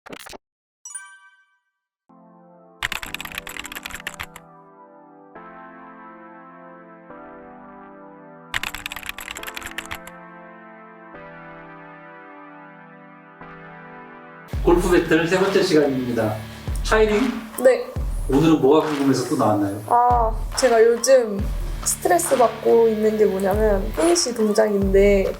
골프 배틀 세 번째 시간입니다. 샤이닝? 네. 오늘은 뭐가 궁금해서 또 나왔나요? 제가 요즘 스트레스 받고 있는 게 뭐냐면 피니시 동작인데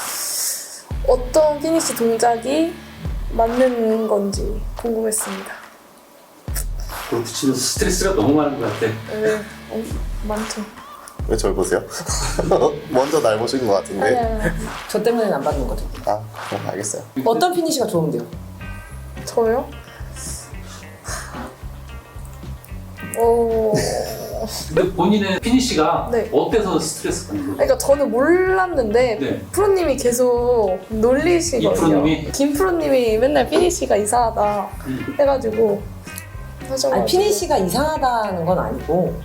어떤 피니시 동작이 맞는 건지 궁금했습니다. 골프 치면서 스트레스가 너무 많은 것 같아. 네, 많죠. 왜 저를 보세요? 먼저 날 보신 것 같은데. 아니야. 저 때문에는 안 받는 거죠. 그럼 알겠어요. 어떤 피니시가 좋은데요? 저요? 근데 본인의 피니시가 네. 어때서 스트레스 받는 거죠? 그러니까 저는 몰랐는데 네. 프로님이 계속 놀리시거든요. 이 프로님이? 김 프로님이 맨날 피니시가 이상하다 해가지고 하셔가지고. 아니 피니시가 이상하다는 건 아니고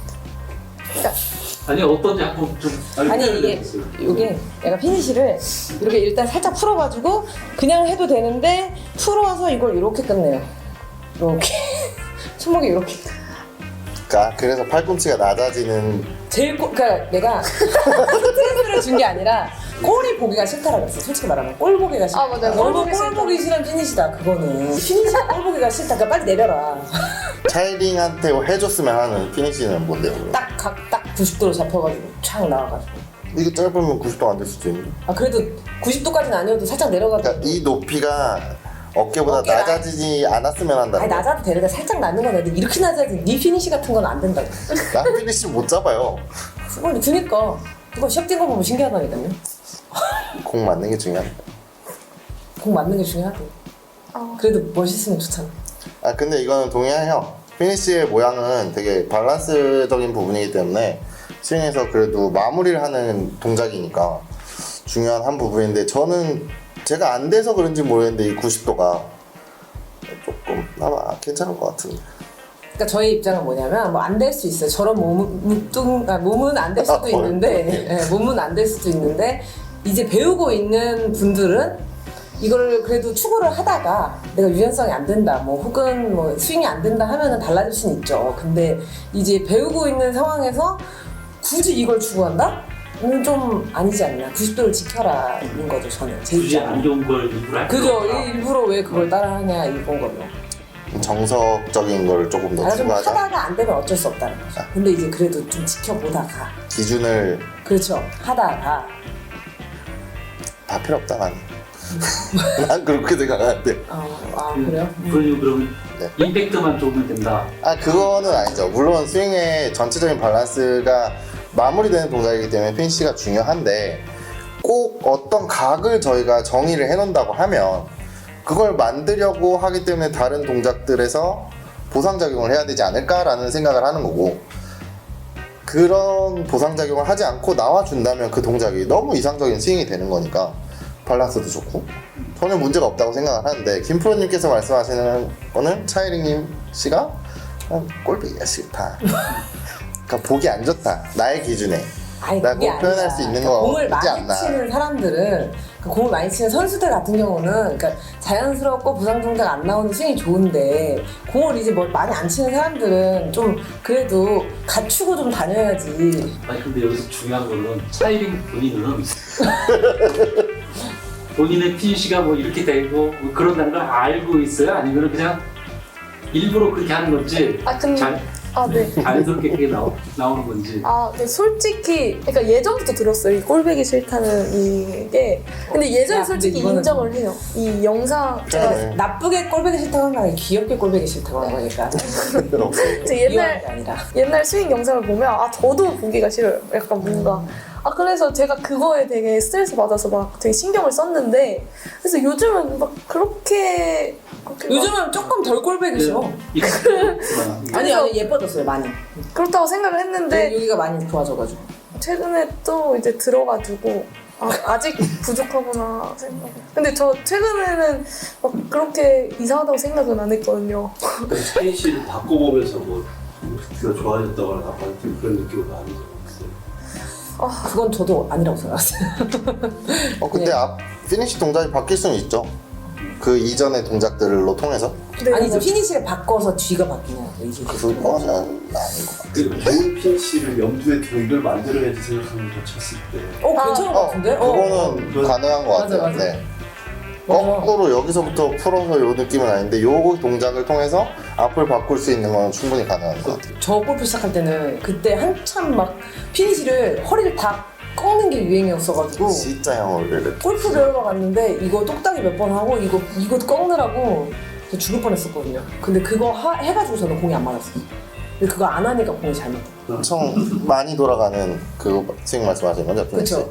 아니 어떤지 한번 좀 아니 이게 알려주세요. 이게 약간 피니시를 이렇게 일단 살짝 풀어가지고 그냥 해도 되는데 풀어서 이걸 이렇게 끝내요. 이렇게 손목이 이렇게 그래서 팔꿈치가 낮아지는. 그러니까 내가 스트레스를 준 게 아니라 꼴이 보기가 싫다라고 그랬어. 솔직히 말하면 꼴 보기가 싫다. 맞아요. 너무 꼴 보기 꼴 보기 싫은 피니시다 그거는. 피니시가 꼴 보기가 싫다. 그러니까 빨리 내려라. 차이링한테 해줬으면 하는 피니시는 뭔데요? 딱 90도로 잡혀가지고 촥 나와가지고. 이게 짧으면 90도 안 될 수도 있는데. 그래도 90도까지는 아니어도 살짝 내려가지고. 그러니까 이 높이가 어깨보다 어깨가- 낮아지지 않았으면 한다는 아니 거. 낮아도 되는데 살짝 낮는 건 애들 이렇게 낮아지 네 피니시 같은 건 안 된다고. 나 피니시 못 잡아요. 그걸 그니까 그거 시합 뛴거 보면 신기하다니까요. 공 맞는 게 중요하다. 공 맞는 게 중요하대. 그래도 멋있으면 좋잖아. 근데 이거는 동의해요. 피니시의 모양은 되게 밸런스적인 부분이기 때문에 스윙에서 그래도 마무리를 하는 동작이니까 중요한 한 부분인데, 저는 제가 안 돼서 그런지 모르겠는데 이 90도가 조금 아마 괜찮은 것 같은데. 그러니까 저희 입장은 뭐냐면 뭐 안 될 수 있어요. 저런 몸은 안 될 수도 있는데 몸은 안 될 수도 있는데 이제 배우고 있는 분들은 이걸 그래도 추구를 하다가 내가 유연성이 안 된다 뭐 혹은 뭐 스윙이 안 된다 하면은 달라질 수는 있죠. 근데 이제 배우고 있는 상황에서 굳이 이걸 추구한다? 좀 아니지 않나. 90도를 지켜라는 거죠. 저는 제 굳이 안 입장은. 좋은 걸 일부러 할 그죠. 필요가 없다. 일부러 왜 그걸 따라하냐 이건 거죠. 정석적인 걸 조금 더 좀 추구하자. 하다가 안 되면 어쩔 수 없다는 거죠. 근데 이제 그래도 좀 지켜보다가 기준을 그렇죠. 하다가 다 필요 없다 나는. 난 그렇게 생각하는데. 그래요? 그러면 네. 임팩트만 좋으면 된다. 그거는 아니죠. 물론 스윙의 전체적인 밸런스가 마무리되는 동작이기 때문에 피니시가 중요한데, 꼭 어떤 각을 저희가 정의를 해놓는다고 하면 그걸 만들려고 하기 때문에 다른 동작들에서 보상작용을 해야 되지 않을까라는 생각을 하는 거고, 그런 보상작용을 하지 않고 나와준다면 그 동작이 너무 이상적인 스윙이 되는 거니까 밸런스도 좋고 전혀 문제가 없다고 생각을 하는데, 김프로님께서 말씀하시는 거는 차이링님 씨가 꼴보기가 싫다. 그러니까 보기 안 좋다. 나의 기준에. 아니 나 그게 꼭 표현할 아니라 수 있는 그러니까 공을 거지 많이 않나. 치는 사람들은 공을 많이 치는 선수들 같은 경우는 그러니까 자연스럽고 부상 동작 안 나오는 스윙이 좋은데 공을 이제 뭐 많이 안 치는 사람들은 좀 그래도 갖추고 좀 다녀야지. 아니 근데 여기서 중요한 거는 차이링 본인은 본인의 피니시가 뭐 이렇게 되고 뭐 그런다는 걸 알고 있어요? 아니면 그냥 일부러 그렇게 하는 건지 근데 네. 자연스럽게 그게 나오는 건지. 근데 솔직히 그러니까 예전부터 들었어요. 이 꼴보기 싫다는 이게. 근데 예전에 야, 근데 솔직히 이거는- 인정을 해요. 이 영상 제가 네. 나쁘게 꼴보기 싫다고 하는 거 아니라 귀엽게 꼴보기 싫다고 하는 거니까. 제 미워하는 게 아니라. 옛날 스윙 영상을 보면 저도 보기가 싫어요. 약간 뭔가 그래서 제가 그거에 되게 스트레스 받아서 막 되게 신경을 썼는데, 그래서 요즘은 막 그렇게 막 요즘은 조금 덜 꼴보기 싫어. 아니 예뻐졌어요 많이. 그렇다고 생각을 했는데 여기가 많이 좋아져가지고. 최근에 또 이제 들어가지고 아직 부족하구나 생각. 근데 저 최근에는 막 그렇게 이상하다고 생각은 안 했거든요. 피니시를 바꿔보면서 뭐 스트가 좋아졌다거나 나빠졌다거나 그런 느낌은 아니죠. 글쎄요. 그건 저도 아니라고 생각했어요. 근데 피니시 동작이 바뀔 수는 있죠. 그 이전의 동작들로 통해서? 네, 아니 이제 맞아요. 피니시를 바꿔서 뒤가 바뀌냐고 이제. 그거는 아닌 것 같아요. 그 좋은 피니시를 염두에 두고 이걸 만들어야지 생각하면 더 쳤을 때 괜찮은 것 같은데? 그거는 가능한 것 같아요. 맞아. 네. 거꾸로 여기서부터 풀어서 요 느낌은 아닌데 요 동작을 통해서 앞을 바꿀 수 있는 건 충분히 가능한 것 같아요. 저 골프 시작할 때는 그때 한참 막 피니시를 허리를 다 꺾는 게 유행이었어가지고 진짜 형을 골프 배우러 갔는데 이거 똑딱이 몇 번 하고 이거 꺾느라고 저 죽을 뻔했었거든요. 근데 그거 해가지고 저는 공이 안 맞았어요. 근데 그거 안 하니까 공이 잘 맞다. 엄청 많이 돌아가는 그거 스윙 말씀하시는 거죠? 그렇죠.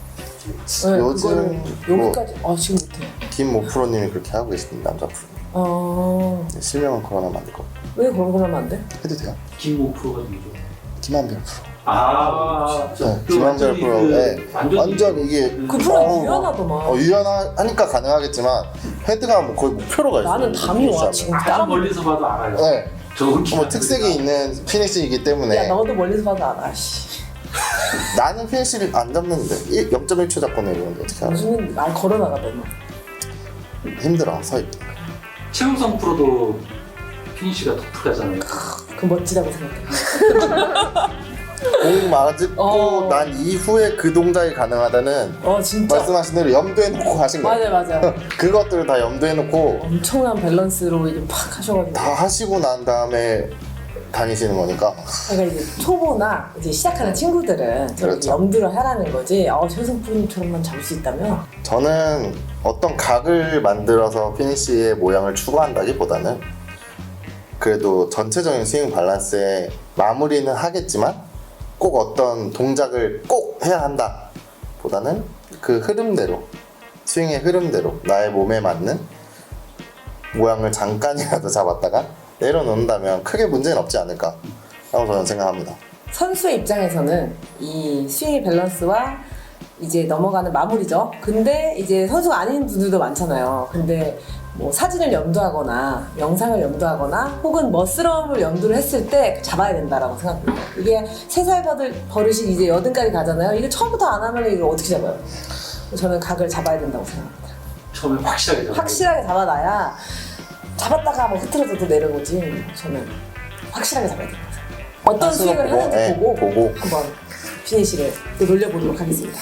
요즘 뭐 여기까지 지금 못해. 김모 프로님이 그렇게 하고 계십니다. 남자 프로. 실명은 그만하면 안 될 것 같아요. 왜 그런 걸 하면 안 돼? 해도 돼요? 김모 프로가 누구죠? 김한별 프로. 진짜. 네, 김한별 프로. 네. 완전 이게 그 프로 유연하더만. 유연하니까 가능하겠지만 헤드가 뭐 거의 목표로가 있어요. 나는 감이 와 지금 아주 따라. 멀리서 봐도 알아요. 네. 좋은 뭐 특색이 있는 피니시이기 때문에 야 너도 멀리서 봐도 알아. 씨. 나는 피니시를 안 잡는데 0.1초 잡고 내리는데 어떻게 알아? 요즘은 날 걸어 나가더만. 힘들어 서있. 최우성 프로도 피니시가 독특하잖아요. 그 멋지다고 생각해. 공 맞고 난 이후에 그 동작이 가능하다는 진짜. 말씀하신 대로 염두에 놓고 하신 거예요. 맞아. 그것들을 다 염두에 놓고 엄청난 밸런스로 이제 팍 하셔가지고. 다 하시고 난 다음에 다니시는 거니까. 그러니까 이제 초보나 이제 시작하는 친구들은 저렇게 그렇죠. 염두를 하라는 거지. 최우성 프로님처럼만 잡을 수 있다면. 저는 어떤 각을 만들어서 피니시의 모양을 추구한다기보다는 그래도 전체적인 스윙 밸런스에 마무리는 하겠지만 꼭 어떤 동작을 꼭 해야 한다 보다는 그 흐름대로 스윙의 흐름대로 나의 몸에 맞는 모양을 잠깐이라도 잡았다가 내려놓는다면 크게 문제는 없지 않을까 라고 저는 생각합니다. 선수의 입장에서는 이 스윙의 밸런스와 이제 넘어가는 마무리죠. 근데 이제 선수가 아닌 분들도 많잖아요. 근데 뭐 사진을 염두하거나 영상을 염두하거나 혹은 멋스러움을 염두를 했을 때 잡아야 된다라고 생각합니다. 이게 3살 버릇이 이제 8까지 가잖아요. 이거 처음부터 안 하면 이거 어떻게 잡아요? 저는 각을 잡아야 된다고 생각합니다. 처음에 확실하게 잡아요. 확실하게 잡아놔야 잡았다가 뭐 흐트러져도 내려오지. 저는 확실하게 잡아야 된다고 생각합니다. 어떤 스윙을 보고, 하는지 네, 보고 한번 피니시를 또 놀려보도록 하겠습니다.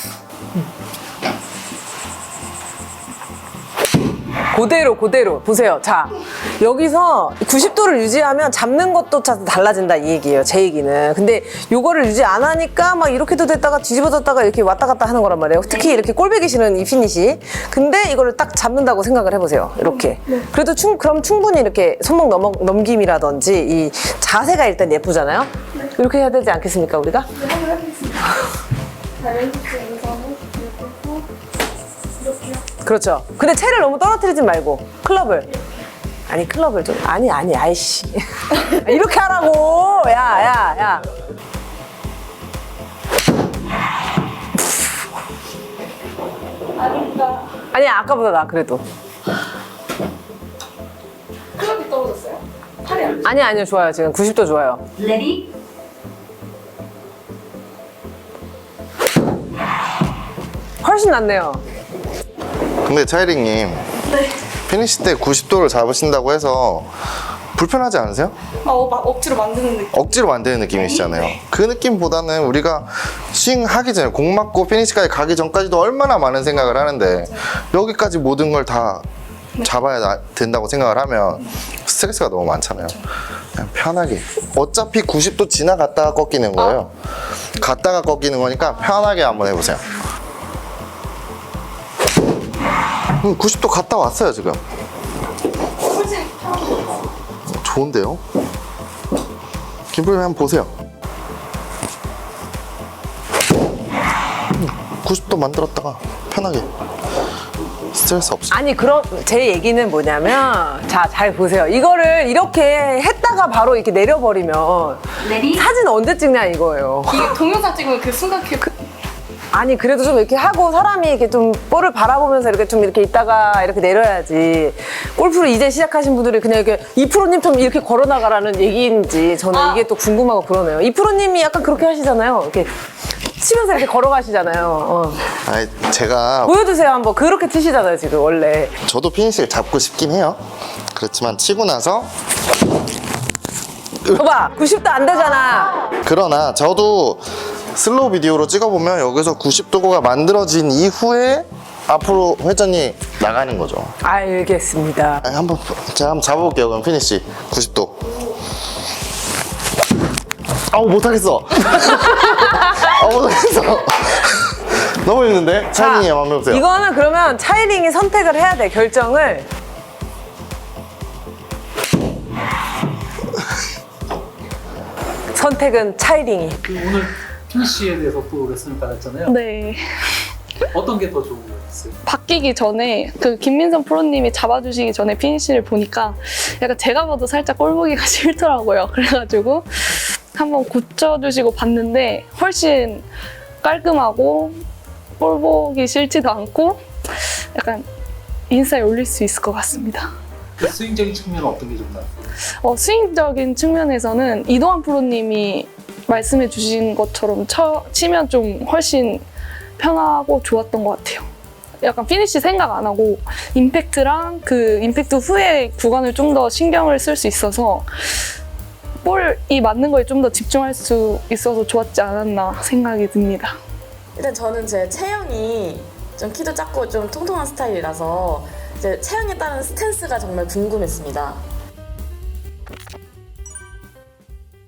그대로 보세요. 자, 여기서 90도를 유지하면 잡는 것도 달라진다 이 얘기예요. 제 얘기는. 근데 요거를 유지 안 하니까 막 이렇게도 됐다가 뒤집어졌다가 이렇게 왔다 갔다 하는 거란 말이에요. 특히 이렇게 꼴배기 싫은 이 피니시. 근데 이거를 딱 잡는다고 생각을 해보세요. 이렇게. 그래도 그럼 충분히 이렇게 손목 넘김이라든지 이 자세가 일단 예쁘잖아요. 이렇게 해야 되지 않겠습니까 우리가? 네, 한번 해보겠습니다. 자, 왼쪽 우선은 그리고 이렇게요. 그렇죠. 근데 채를 너무 떨어뜨리지 말고 클럽을. 아니 클럽을 좀 아니 아이씨 이렇게 하라고. 야 아닌가. 아니 아까보다 나 그래도 클럽이 떨어졌어요? 팔이 안 아니요 좋아요. 지금 90도 좋아요. 레디 훨씬 낫네요. 근데 차이링님 피니시 때 90도를 잡으신다고 해서 불편하지 않으세요? 막 억지로 만드는 느낌. 억지로 만드는 느낌이시잖아요. 그 느낌보다는 우리가 스윙 하기 전에 공 맞고 피니시까지 가기 전까지도 얼마나 많은 생각을 하는데 여기까지 모든 걸 다 잡아야 된다고 생각을 하면 스트레스가 너무 많잖아요. 그냥 편하게 어차피 90도 지나갔다가 꺾이는 거예요. 갔다가 꺾이는 거니까 편하게 한번 해보세요. 90도 갔다 왔어요 지금. 좋은데요? 김프로님 한번 보세요. 90도 만들었다가 편하게 스트레스 없이. 아니 그럼 제 얘기는 뭐냐면 자 잘 보세요. 이거를 이렇게 했다가 바로 이렇게 내려버리면 레디 사진 언제 찍냐 이거예요. 이게 동영상 찍으면 그 순간 아니 그래도 좀 이렇게 하고 사람이 이렇게 좀 볼을 바라보면서 이렇게 좀 이렇게 있다가 이렇게 내려야지. 골프를 이제 시작하신 분들이 그냥 이렇게 이프로님 좀 이렇게 걸어나가라는 얘기인지 저는 이게 또 궁금하고 그러네요. 이프로님이 약간 그렇게 하시잖아요. 이렇게 치면서 이렇게 걸어가시잖아요. 아니, 제가 보여주세요 한번. 그렇게 치시잖아요 지금 원래. 저도 피니시를 잡고 싶긴 해요. 그렇지만 치고 나서 봐봐 90도 안 되잖아. 그러나 저도 슬로우 비디오로 찍어보면 여기서 90도가 만들어진 이후에 앞으로 회전이 나가는 거죠. 알겠습니다. 아니, 제가 한번 잡아볼게요. 그럼 피니시 90도. 아우 못하겠어. 못하겠어. 너무 힘든데? 차이닝이 한번 해보세요. 이거는 그러면 차이링이 선택을 해야 돼. 결정을. 선택은 차이링이. 그 오늘 피니쉬에 대해서 또 레슨을 받았잖아요. 네. 어떤 게 더 좋은 거였어요? 바뀌기 전에 그 김민선 프로님이 잡아주시기 전에 피니쉬를 보니까 약간 제가 봐도 살짝 꼴 보기가 싫더라고요. 그래가지고 한번 고쳐주시고 봤는데 훨씬 깔끔하고 꼴 보기 싫지도 않고 약간 인스타에 올릴 수 있을 것 같습니다. 그 스윙적인 측면은 어떤 게 좀 나았어요? 스윙적인 측면에서는 이동환 프로님이 말씀해 주신 것처럼 치면 좀 훨씬 편하고 좋았던 것 같아요. 약간 피니쉬 생각 안 하고 임팩트랑 그 임팩트 후에 구간을 좀 더 신경을 쓸 수 있어서 볼이 맞는 거에 좀 더 집중할 수 있어서 좋았지 않았나 생각이 듭니다. 일단 저는 제 체형이 좀 키도 작고 좀 통통한 스타일이라서 이제 체형에 따른 스탠스가 정말 궁금했습니다.